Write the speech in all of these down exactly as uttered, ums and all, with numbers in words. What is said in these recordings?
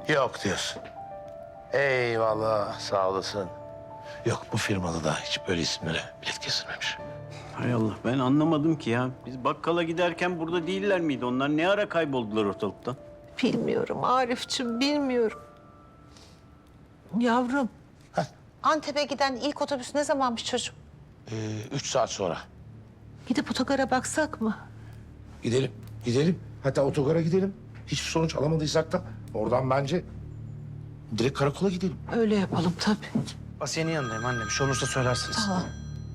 Yok diyorsun. Eyvallah, sağ olasın. Yok, bu firmada da hiç böyle isimlere bilet kesilmemiş. Hay Allah, ben anlamadım ki ya. Biz bakkala giderken burada değiller miydi? Onlar ne ara kayboldular ortalıktan? Bilmiyorum Arif'ciğim, bilmiyorum. Yavrum, Heh. Antep'e giden ilk otobüs ne zamanmış çocuğum? Ee, üç saat sonra. Gidip otogara baksak mı? Gidelim, gidelim. Hatta otogara gidelim. Hiçbir sonuç alamadıysak da oradan bence direkt karakola gidelim. Öyle yapalım tabii. Asiye'nin yanındayım anne. Bir şey olursa söylersiniz. Tamam.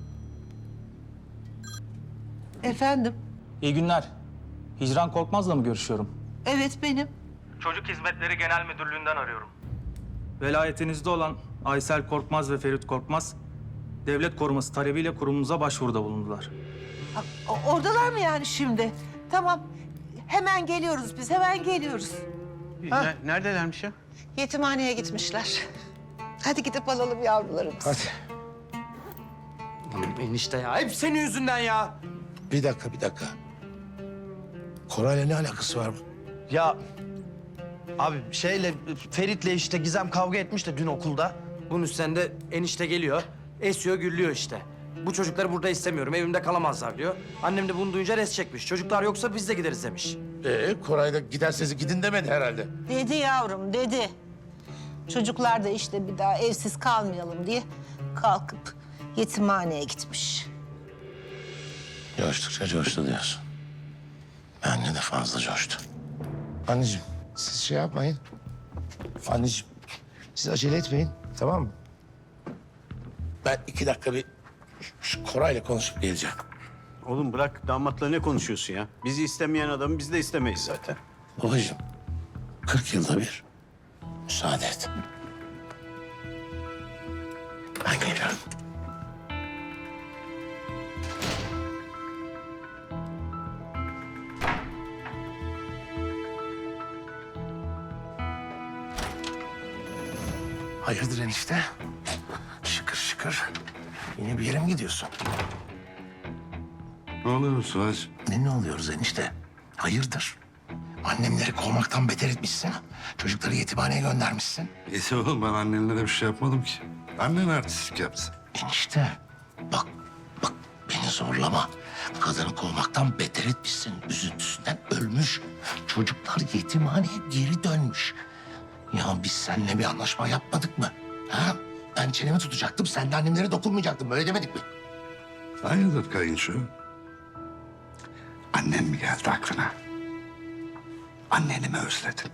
Efendim? İyi günler. Hicran Korkmaz'la mı görüşüyorum? Evet benim. Çocuk Hizmetleri Genel Müdürlüğü'nden arıyorum. Velayetinizde olan Aysel Korkmaz ve Ferit Korkmaz, devlet koruması talebiyle kurumumuza başvuruda bulundular. Ha, o- oradalar mı yani şimdi? Tamam. Hemen geliyoruz biz, hemen geliyoruz. Ne, neredelermiş ya? Yetimhaneye gitmişler. Hadi gidip alalım yavrularımızı. Hadi. Enişte ya. Hep senin yüzünden ya. Bir dakika, bir dakika. Koray'la ne alakası var bu? Ya abi şeyle Ferit'le işte Gizem kavga etmiş de dün okulda. Bunun üstüne de enişte geliyor. Esiyor gürlüyor işte. Bu çocukları burada istemiyorum. Evimde kalamazlar diyor. Annem de bunu duyunca res çekmiş. Çocuklar yoksa biz de gideriz demiş. Ee, Koray da giderseniz gidin demedi herhalde. Dedi yavrum, dedi. Çocuklar da işte bir daha evsiz kalmayalım diye kalkıp yetimhaneye gitmiş. Coştukça coştu diyorsun. Bence de fazla coştu. Anneciğim, siz şey yapmayın. Anneciğim, siz acele etmeyin, tamam mı? Ben iki dakika bir şu Koray'la konuşup geleceğim. Oğlum bırak, damatla ne konuşuyorsun ya? Bizi istemeyen adamı biz de istemeyiz zaten. Babacığım, kırk yılda bir müsaade et. Ben geliyorum. Hayırdır enişte? Şıkır şıkır. Yine bir yere mi gidiyorsun? Ne oluyor Sıvaç? Ne ne oluyoruz enişte? Hayırdır? Annemleri kovmaktan beter etmişsin. Çocukları yetimhaneye göndermişsin. Neyse oğlum, ben annenlere bir şey yapmadım ki. Annen artistlik yaptı. Enişte bak bak beni zorlama. Kadını kovmaktan beter etmişsin. Üzüntüsünden ölmüş. Çocuklar yetimhaneye geri dönmüş. Ya biz seninle bir anlaşma yapmadık mı? Ha? Ben çenemi tutacaktım. Sen de annemlere dokunmayacaktın. Böyle demedik mi? Hayırdır kayınço? Annen mi geldi aklına? Anneni mi özledin?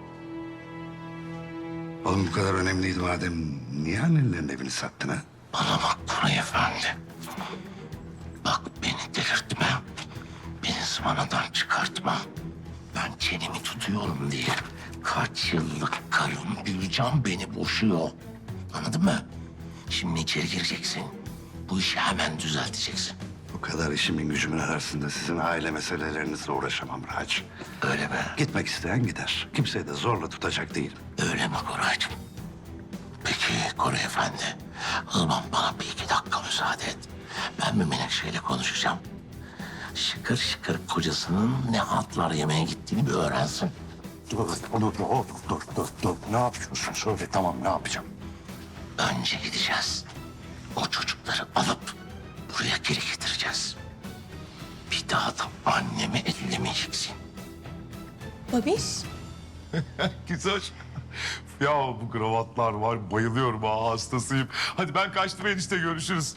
Oğlum bu kadar önemliydi madem, niye annenlerin evini sattın ha? Bana bak Koray Efendi. Bak beni delirtme. Beni zıvanadan çıkartma. Ben çenemi tutuyorum diye kaç yıllık karım Gülcan beni boşuyor. Anladın mı? Şimdi içeri gireceksin. Bu işi hemen düzelteceksin. Bu kadar işimin gücümün arasında sizin aile meselelerinizle uğraşamam Raç. Öyle be. Gitmek isteyen gider. Kimseyi de zorla tutacak değilim. Öyle mi Koraycığım? Peki Koray Efendi. O zaman bana bir iki dakika müsaade et. Ben bir Menekşe'yle konuşacağım. Şıkır şıkır kocasının ne hatlar yemeye gittiğini bir öğrensin. Dur, dur, dur, dur, dur, dur, dur. Ne yapıyorsun? Söyle, tamam, ne yapacağım? Önce gideceğiz. O çocukları alıp buraya geri getireceğiz. Bir daha da annemi ellemeyeceksin. Babiş. Güzel. Ya bu kravatlar var, bayılıyorum ha, hastasıyım. Hadi ben kaçtım enişte, görüşürüz.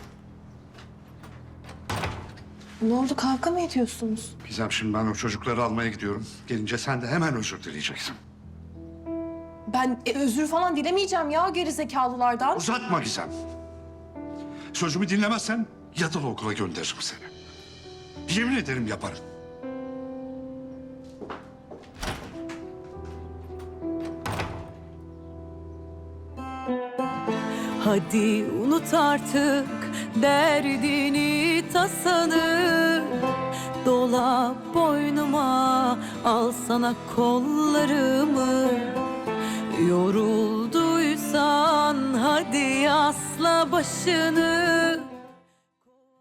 Ne oldu, kavga mı ediyorsunuz? Gizem, şimdi ben o çocukları almaya gidiyorum. Gelince sen de hemen özür dileyeceksin. Ben e, özür falan dilemeyeceğim ya gerizekalılardan. Uzatma Gizem. Sözümü dinlemezsen yatılı okula gönderirim seni. Yemin ederim yaparım. Hadi unut artık derdini tasanı, dola boynuma, al sana kollarımı. Yorulduysan hadi asla başını,